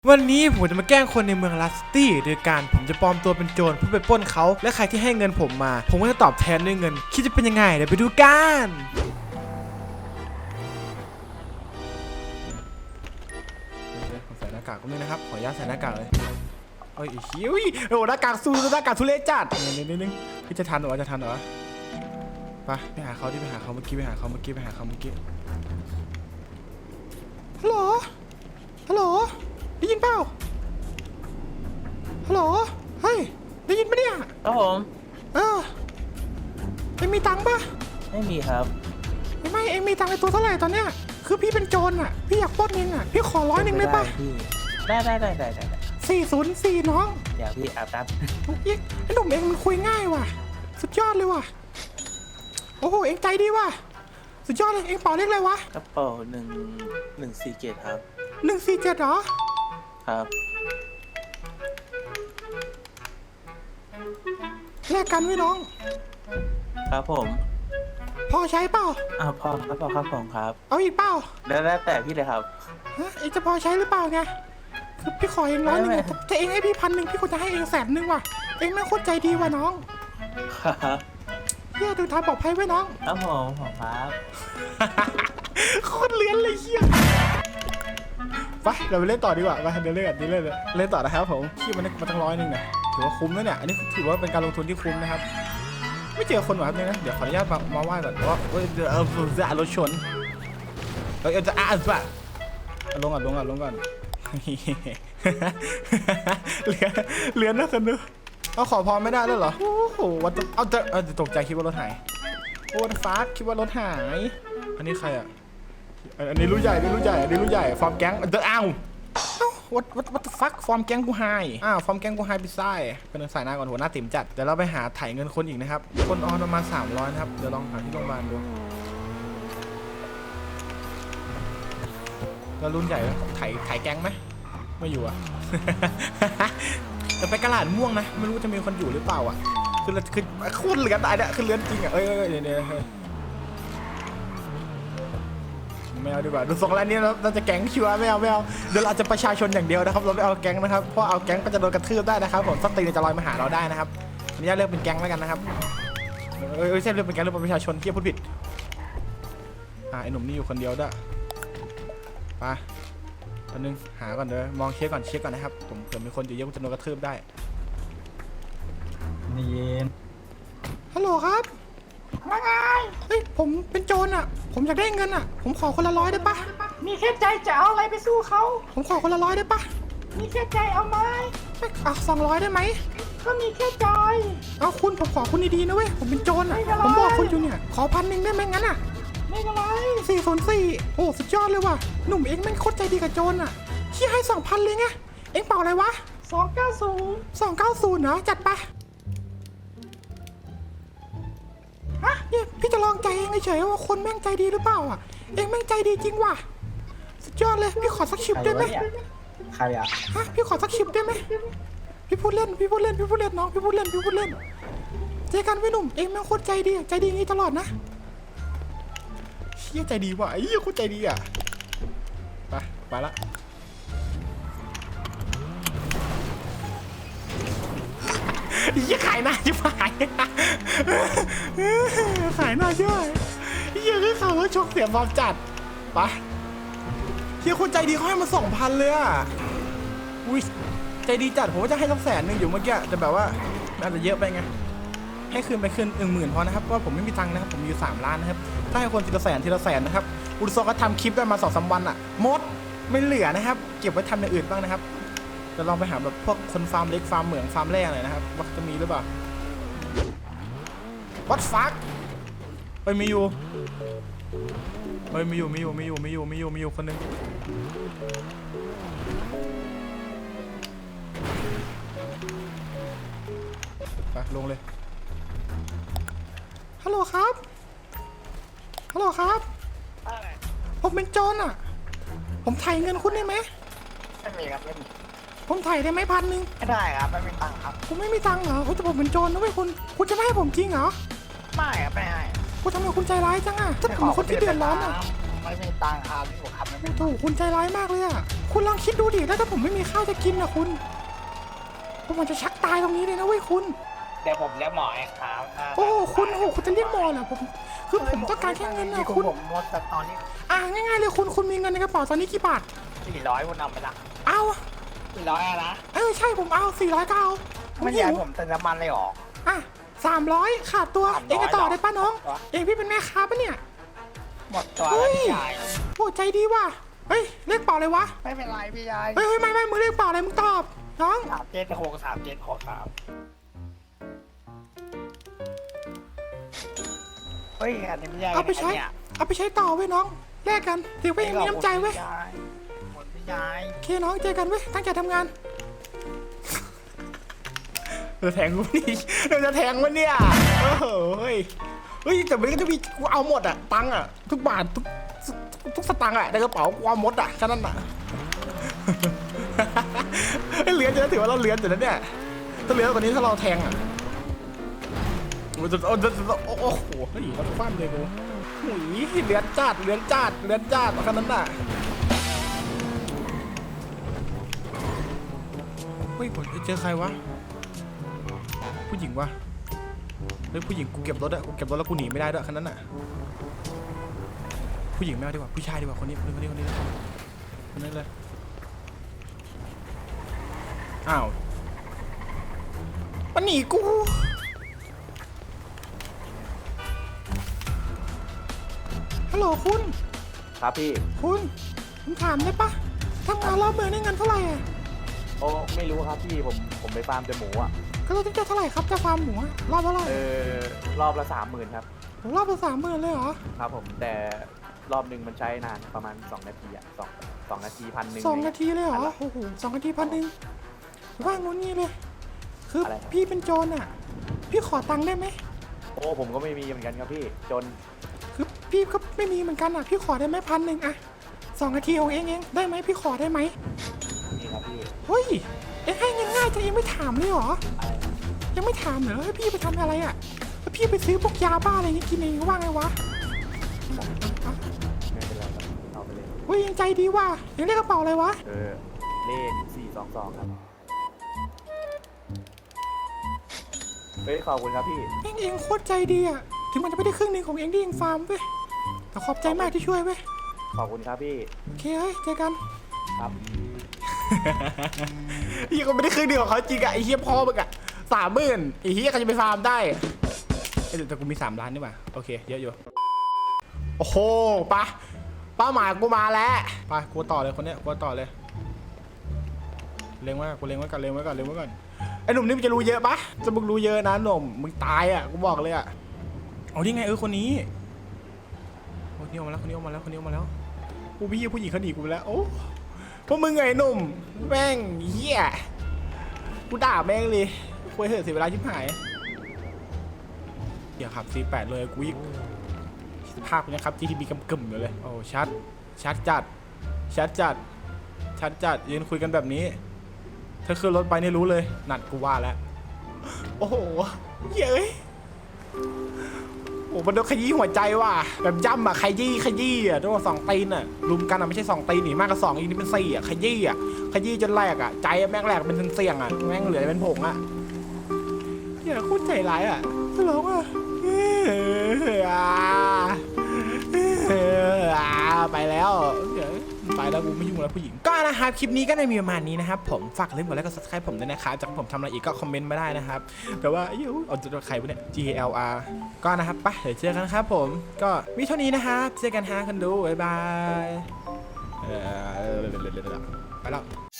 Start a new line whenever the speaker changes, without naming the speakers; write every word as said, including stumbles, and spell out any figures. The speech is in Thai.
วันนี้ผมจะมาแกล้งคนในเมืองลัสตี้โดยการผมจะปลอมตัวเป็นโจรเพื่อไปปล้นเขาและใครที่ให้เงินผมมาผมก็จะตอบแทนด้วยเงินคิดจะเป็นยังไงเดี๋ยวไปดูกันผมใส่หน้ากากก็ไม่นะครับขออนุญาตใส่หน้ากากเลยโอ้ยหิวโอ้หน้ากากสู้หน้ากากทุเรศจัดนิดนึงนิดนึงพี่จะทันเหรอจะทันเหรอไปไปหาเขาที่ไปหาเขาเมื่อกี้ไปหาเขาเมื่อกี้ไปหาเขาเมื่อกี้ฮัลโหลฮัลโหลได้ยินเปล่าฮัลโหลเฮ้ยได้ยินปะเนี่ย
ครับผม
เออเอ็งมีตังค์ปะ
ไม่มีครับ
ไม่ไม่เอ็งมีตังค์ในตัวเท่าไหร่ตอนเนี้ยคือพี่เป็นโจรอ่ะพี่อยากปล้นเองอ่ะพี่ขอร้อยหนึ่งได้ปะ
ได้ได้ได้ได้ได้
สี่ศูนย์สี่น้อง
เดี๋ยวพี่อาบน้
ำไอ้หนุ่มเอ็งมันคุยง่ายว่ะสุดยอดเลยว่ะโอ้โหเอ็งใจดีว่ะสุดยอดเลยเอ็งเป่าเลขอะไรวะ
กระเป๋าหนึ่งหนึ่งสี่เจ็ดครับ
หนึ่งสี่เจ็ดเหรอ
ครับ
แลกกันไว้น้อง
ครับผม
พอใช้เปล่า
อ้าวพอครับพอครับผมครับ
เอาอีกเปล่า
แล้วแล้วแต่พี่เลยครับ
ฮะเอ็งจะพอใช้หรือเปล่าไงคือพี่ขอเองร้อยหนึ่งแต่เอ็งให้พี่พันหนึ่งพี่ควรจะให้เองแสนหนึ่งว่ะเอ็งไม่โคตรใจดีว่ะน้อง
ครับ
เฮียดูทางปลอดภัยไว้น้อง
ครับผมผมครับ
โคตรเลี้ยนเลยเฮียไปเราไปเล่นต่อดีกว่าไปเดี๋ยวเล่นกันเดี๋ยวเล่นเล่นต่อนะครับผมที่มันมาตั้งร้อยหนึ่งเนี่ยถือว่าคุ้มแล้วเนี่ยอันนี้ถือว่าเป็นการลงทุนที่คุ้มนะครับไม่เจอคนหรอครับเนี่ยนะเดี๋ยวขออนุญาตมามาไหว้ก่อนว่าเออเออจะรถชนเออจะอ่านป่ะลงก่อนลงก่อนลงก่อนเหลือเหลือนะคนดูเอาขอพรไม่ได้แล้วเหรอโอ้โหวันเอาจะเอาจะตกใจคิดว่ารถหายโอ้ฟ้าคิดว่ารถหายอันนี้ใครอ่ะอันนี้รู้ใหญ่อันนี้รู้ใหญ่อันนี้รู้ใหญ่ฟอร์มแก๊งเดอะอ้าววัดวัดวัดฟักฟอร์มแก๊งกูไฮอ้าวฟอร์มแก๊งกูไฮพิซซ่าเป็นสายหน้าก่อนหัวหน้าติ๋มจัดเดี๋ยวเราไปหาถ่ายเงินคนอีกนะครับคนออนประมาณสามร้อยนะครับเดี๋ยวลองหาที่โรงพยาบาลดูแล้วรุ่นใหญ่ถ่ายถ่ายแก๊งไหมไม่อยู่อ่ะแต่ไปกระดาษม่วงนะไม่รู้จะมีคนอยู่หรือเปล่าอ่ะคือคือโคตรเหลือตายเนี่ยคือเลือนจริงอ่ะเอ้ยเดี๋ยวเดี๋ยวไม่เอาดีกว่าดูทรงแล้วนี่เราจะแก๊งชัวร์ไม่เอาไม่เอาเดี๋ยวเราจะประชาชนอย่างเดียวนะครับเราไม่เอาแก๊งนะครับเพราะเอาแก๊งก็จะโดนกระทืบได้นะครับผมสตีนจะลอยมาหาเราได้นะครับอันนี้เลือกเป็นแก๊งแล้วกันนะครับเอ้ยไม่ใช่เลือกเป็นแก๊งเลือกเป็นประชาชนที่พูดผิดอ่าไอ้หนุ่มนี่อยู่คนเดียวด้วยไปอันนึงหาก่อนเด้อมองเช็คก่อนเช็คก่อนนะครับผมเผื่อมีคนอยู่เยอะก็จะโดนกระทืบได้
นี่เย็น
ฮัลโหลครับว่าไงเฮ้ยผมเป็นโจรอ่ะผมอยากได้เงินอ่ะผมขอคนละร้อยได้ปะ
มีแค่ใจจะเอาอะไรไปสู้เขา
ผมขอคนละร้อยได้ปะ
มีแค่ใจเอาไหม
ไม่เอาสองร้อยได้ไหม
ก็มีแค่ใจ
เอาคุณผมขอคุณดีๆนะเว้ยผมเป็นโจรอ่ะผมบอกคุณอยู่เนี่ยขอพันหนึ่งได้ไหมงั้นอ่ะ
ไม่เป็นไร
สี่ศูนย์สี่โอ้สุดยอดเลยว่ะหนุ่มเอ็งแม่งโคตรใจดีกับโจรอ่ะชี้ให้สองพันเลยไงเอ็งเป่าอะไรวะ
สองเก้าศูนย์
สองเก้าศูนย์เนาะจัดไปฮะเนี่ยพี่จะลองใจเองเฉยๆว่าคนแม่งใจดีหรือเปล่าอ่ะเอ็งแม่งใจดีจริงว่ะสุดยอดเลยพี่ขอสักชิปได้ไหม
ใครอ่ะ
ฮะพี่ขอสักชิปได้ไหมพี่พูดเล่นพี่พูดเล่นพี่พูดเล่นน้องพี่พูดเล่นพี่พูดเล่นเจอกันไว้หนุ่มเอ็งแม่งโคตรใจดีใจดีงี้ตลอดนะเชี่ยใจดีว่ะไอ้เหี้ยโคตรใจดีอ่ะไปไปละยี่ขายหน้าชิบหายขายหน้าใช่ไหมยี่คือเขาชกเสียบอลจัดปะเฮียคนใจดีเขาให้มาสองพันเลยอ่ะอุ้ยใจดีจัดผมว่าจะให้สักแสนหนึ่งอยู่เมื่อกี้แต่แบบว่าอาจจะเยอะไปไงให้คืนไปคืนหนึ่งหมื่นพอนะครับเพราะผมไม่มีตังค์นะครับผมมีอยู่สามล้านนะครับถ้าให้คนทีละแสนทีละแสนนะครับอุลซอก็ทำคลิปได้มาสองสามวันอ่ะหมดไม่เหลือนะครับเก็บไว้ทำอย่างอื่นบ้างนะครับจะลองไปหาแบบพวกคนฟาร์มเล็กฟาร์มเหมืองฟาร์มแร่หน่อยนะครับว่าจะมีหรือเปล่าวัดฟักไปมีอยู่ไปมีอยู่มีอยู่มีอยู่มีอยู่มีอยู่มีอยู่คนหนึ่งไปลงเลยฮัลโหลครับฮัลโหลครับผมเป็นโจรอ่ะผมถ่ายเงินคุณได้ไหม
ไม่มีครับไม่มี
ผมถ่ายได้ไหมพันหนึ่ง
ไม่ได้ครับไม่มีตังค์ครับ
คุณไม่มีตังค์เหรอคุณจะผมเป็นโจรนะเว้ยคุณคุณจะไม่ให้ผมจริงเหรอ
ไม่ครับไม่ให้
คุณทำไมคุณใจร้ายจังอ่ะถ้าผมคนที่เดือดร้อนอ่ะ
มันไม่มีตังค์ครับพี่ผมขับไม่เป็น
โอ้โหคุณใจร้ายมากเลยอ่ะคุณลองคิดดูดิแล้วถ้าผมไม่มีข้าวจะกินนะคุณผมอาจจะชักตายตรงนี้เลยนะเว้ยคุณ
เดี๋ยวผมเรียกหมอเองครับ
โอ้โหคุณโอ้โหคุณจะเรียกหมอเหรอผมคือผมต้องการแค่เงินนะ
คุ
คุณ ณ
ผมลดแต่ตอนนี้
อ่ะง่ายๆเลยคุณคุณมีเงินในกระเป๋าตอนนี้กี่บาท
สี่ร้อยคุณเอาไปละ
เอา
สี่ร้อยนะ
เออใช่ผมเอาสี่ร้อยก็เอา
ไม่ใช่ผมเติมน้ำมันเลยหรอ
อ่ะสามร้อยขาดตัว
สามร้อย
เองจะต่อได้ป้าน้อง
เหรอ
เองพี่เป็นแม่ค้าปะเนี่ย
หมดตัว
เฮ้
แล้ว
ย
พี่ชาย
โอ้ใจดีว่ะเฮ้ยเลขเปล่าเลยวะ
ไม่เป็นไรพี่ชาย
เฮ้ยเฮ้ยไม่ไม่มึงเลขเปล่าอะไรมึงตอบน้อง
สามเจ็ดหกสามเจ็ดหกครับเฮ้ยอันนี้ไม่ใช่
เอาไปใช้
เนี่ย
เอาไปใช้ต่อเว้ยน้องแลกกันถือว่ายังมีน้ำใจเว้ย
หมดพี่ชาย
โอเคน้องเจอกันเว้ยตั้งใจทำงานเราแทงกูนี่เราจะแทงมันเนี่ยโอ้โหเฮ้ยเฮ้ยแต่มันก็จะมีกูเอาหมดอะตังค์อะทุกบาททุกทุกทุกสตางค์อะในกระเป๋ากูเอาหมดอะแค่นั้นอะเฮ้ยเหลือจะถือว่าเราเหลืออยู่นะเนี่ยถ้าเหลือกว่านี้ถ้าเราแทงอะโอ้โหโอ้โหโอ้โหเฮ้ยเขาฟันเลยกูหุยเหลือจัดเหลือจัดเหลือจัดแค่นั้นอะเฮ้ยผมเจอใครวะผู้หญิงวะเฮ้ยผู้หญิงกูเก็บรถอะกูเก็บรถแล้วกูหนีไม่ได้ด้วยคันนั้นอะผู้หญิงไม่เอาดีกว่าผู้ชายดีกว่าคนนี้คนนี้คนนี้คนนี้คนนี้เลยอ้าวมันหนีกูฮัลโหลคุณ
ครับพี่
คุณผมถามได้ปะทำงานรอบเมืองได้เงินเท่าไหร่อะ
โอ้ไม่รู้ครับพี่ผมผมไปฟาร์มแต่หมูอ่ะ
ก็เราต้องจ่ายเท่าไหร่ครับจะฟาร์มหมูอะรอบเท่าไหร่
เออรอบละสามหมื่นครับ
รอบละสามหมื่นเลยเหรอ
ครับผมแต่รอบหนึ่งมันใช้นานประมาณสองนาทีอ่ะสองสองนาทีพันหนึ่ง
สองนาทีเลยเหรอโอ้โหสองนาทีพันหนึ่งว่างงูงี้เลย คือ
อะไรครับ
พี่เป็นโจรอ่ะ พี่ขอตังค์ได้ไหม
โอ้ผมก็ไม่มีเหมือนกันครับพี่จน
คือพี่ก็ไม่มีเหมือนกันอ่ะ พี่ขอได้ไหมพันหนึ่งอะสองนาทีของเองเองได้ไหมพี่ขอได้ไหม
นี่ครับพี่
เฮ้ย เอ็งให้เงินง่ายจะเองไม่ถามเลยเหรอ
อะไรครับ
ยังไม่ถามเหรอให้พี่ไปทำอะไรอ่ะแล้วพี่ไปซื้อพวกยาบ้าอะไรนี่กินเองว่าไงวะอ่ะ
ไม่เป็นไรครับเอาไปเลย
เฮ้ยยังใจดีว่ะยังเรียกกระเป๋าอะไรวะ
เออเลขสี่สองสองครับเฮ้ยขอบคุณครับพี่
เองเองโคตรใจดีอ่ะถึงมันจะไม่ได้ครึ่งหนึ่งของเองที่เองฟาร์มเว้ยแต่ขอบใจมากที่ช่วยเว้ย
ขอบคุณครับพี่
โอเคเฮ้ยเจอกัน
ครับ
เฮียก็ไม่ได้ครึ่งเดียวของเขาจริงอะไอ้เฮียพ่อมึงอะสามหมื่นไอ้เฮียใครจะไปฟาร์มได้เอ้ยแต่กูมีสามล้านนี่หว่าโอเคเยอะอยู่โอ้โหปะเป้าหมายกูมาแล้วไปกูต่อเลยคนเนี้ยกูต่อเลยเล็งไว้กูเล็งไว้ก่อนเล็งไว้ก่อนเล็งไว้ก่อนไอ้หนุ่มนี่มันจะรู้เยอะปะจะมึงรู้เยอะนะหนุ่มมึงตายอะกูบอกเลยอะเอาที่ไงเออคนนี้คนนี้ออกมาแล้วคนนี้ออกมาแล้วคนนี้ออกมาแล้วกูพี่ผู้หญิงเขาหนีกูไปแล้วโอ้พวกมึงไงหนุ่มแม่งเหี้ยกูด่าแม่งเลยคุยเถอะเสียเวลาชิบหายอย่าขับ ซี แปด เลยกูอีกภาพนี้ครับ จี ที บี กำกึ่มอยู่เลยโอ้ชัดชัดจัดชัดจัดชัดจัดยืนคุยกันแบบนี้ถ้าขึ้นรถไปนี่รู้เลยหนัดกูว่าแล้วโอ้โหเย้ยโอ้มันโดนขยี้หัวใจว่ะแบบย่ำอ่ะขยี้ขยี้อ่ะต้องสองตีนอ่ะรุมกันอ่ะไม่ใช่สองตีนหนีมากกว่าสองอีกนี่เป็นสี่อ่ะขยี้อ่ะขยี้จนแหลกอ่ะใจแม่งแหลกเป็นเสี่ยงอ่ะแม่งเหลือเป็นผงอ่ะอย่าโคตรใจร้ายอ่ะร้องอ่ะไปแล้วเดี๋ยวไปแล้วกูไม่ยุ่งแล้วผู้หญิงก็นะครับคลิปนี้ก็ในมีประมาณนี้นะครับผมฝากเล่นกดไลค์กด ซับสไครบ์ ผมด้วยนะครับจากผมทำอะไรอีกก็คอมเมนต์มาได้นะครับแต่ว่ายูเอาจะใครวะเนี่ย G L R ก็นะครับไปเดี๋ยวเจอกันครับผมก็มีเท่านี้นะครับเจอกันฮะคนดูบ๊ายบายไปแล้ว